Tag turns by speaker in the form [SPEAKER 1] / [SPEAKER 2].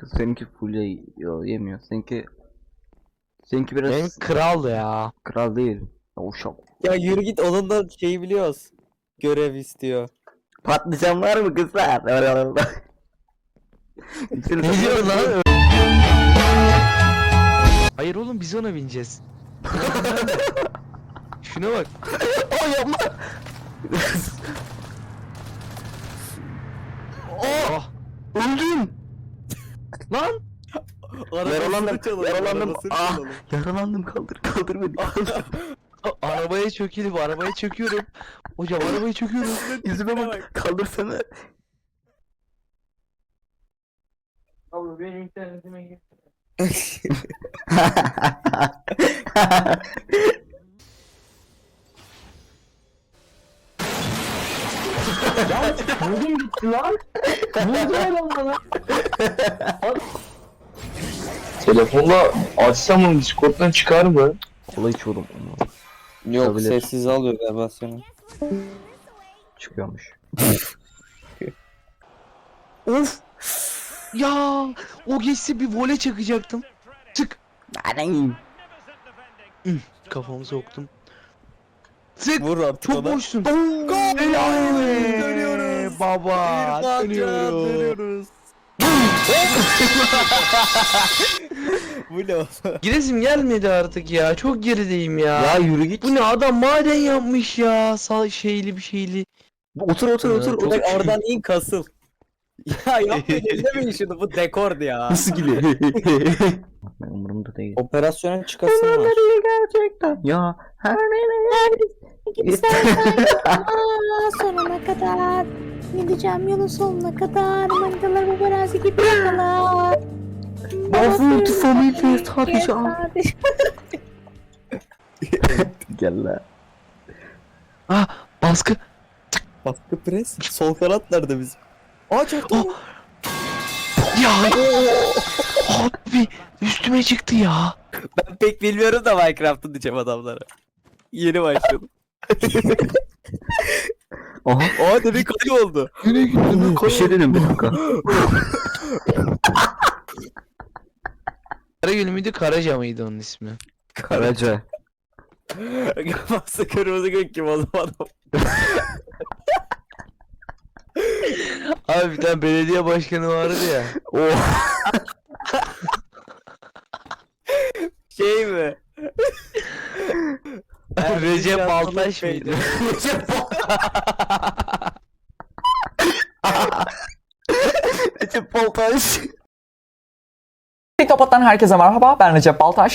[SPEAKER 1] Seninki full yemiyor. Seninki biraz
[SPEAKER 2] Benim kral ya.
[SPEAKER 1] kral değil. Ya, uşak.
[SPEAKER 3] Ya yürü git, onun da şeyi biliyoruz. Görev istiyor.
[SPEAKER 1] Patlıcan var mı kızlar?
[SPEAKER 2] Ne diyor lan? Hayır oğlum, biz ona bineceğiz. Şuna bak.
[SPEAKER 1] Oh yapma.
[SPEAKER 2] Oh.
[SPEAKER 1] Öldüm.
[SPEAKER 2] Lan.
[SPEAKER 1] Yaralandım. Yaralandım, kaldır beni.
[SPEAKER 2] Arabaya çökelim, arabaya çöküyorum. Hocam arabaya çöküyorum.
[SPEAKER 1] Yüzüme bak, kaldırsana.
[SPEAKER 4] Abi benim internetime gir. Buldum gitti lan. Buldu adam bana.
[SPEAKER 5] Telefonla açsam onu Discord'dan çıkar mı?
[SPEAKER 1] Kola içiyorum.
[SPEAKER 3] Yok,
[SPEAKER 1] Olabilir.
[SPEAKER 3] sessiz alıyor galiba seni.
[SPEAKER 1] Çıkıyormuş.
[SPEAKER 2] Of. Ya o geçse bir vole çakacaktım. Çık.
[SPEAKER 1] Anam.
[SPEAKER 2] Kafamı soktum. Sık.
[SPEAKER 3] Vur artık
[SPEAKER 2] Çok
[SPEAKER 3] ona.
[SPEAKER 2] boşsun.
[SPEAKER 3] Gol!
[SPEAKER 2] Helal be.
[SPEAKER 3] Dönüyoruz.
[SPEAKER 2] Baba. Dönüyoruz.
[SPEAKER 3] Bu ne oğlum?
[SPEAKER 2] Giresim gelmedi artık ya. Çok gerideyim ya.
[SPEAKER 1] Ya yürü git.
[SPEAKER 2] Bu ne, adam maden yapmış ya. Şeyli bir şeyli.
[SPEAKER 1] Otur.
[SPEAKER 2] Çok-
[SPEAKER 3] Bak oradan in, kasıl. Ya yapmayın, ellemeyin şunu, bu dekordu ya.
[SPEAKER 1] Nasıl gülüyor? Ben umurumda değil.
[SPEAKER 3] Operasyona çıkasın var.
[SPEAKER 1] Gerçekten. Ya her
[SPEAKER 6] Sonuna kadar gideceğim, yolun sonuna kadar manitalar bu barazi gibi yakalar.
[SPEAKER 1] Multifamily sadece al. Gel la.
[SPEAKER 2] Ah, baskı.
[SPEAKER 3] Baskı pres. Sol kanat nerede bizim? Aa çaktı.
[SPEAKER 2] Ya. Abi üstüme çıktı ya.
[SPEAKER 3] Ben pek bilmiyorum da Minecraft'ı diyeceğim adamlara. Yeni başladım.
[SPEAKER 1] Aha.
[SPEAKER 3] Aa demin kayı oldu.
[SPEAKER 1] Bir şey dedim, bir dakika.
[SPEAKER 2] Karagül müydü, Karaca mıydı onun ismi?
[SPEAKER 1] Karaca.
[SPEAKER 3] Kafası kırmızı gök kim o zaman?
[SPEAKER 2] Abi bir tane belediye başkanı vardı ya.
[SPEAKER 1] Oh.
[SPEAKER 3] Şey mi?
[SPEAKER 2] Recep Baltaş mıydı?
[SPEAKER 1] Recep Baltaş.
[SPEAKER 7] TikTok'tan herkese merhaba, ben Recep Baltaş.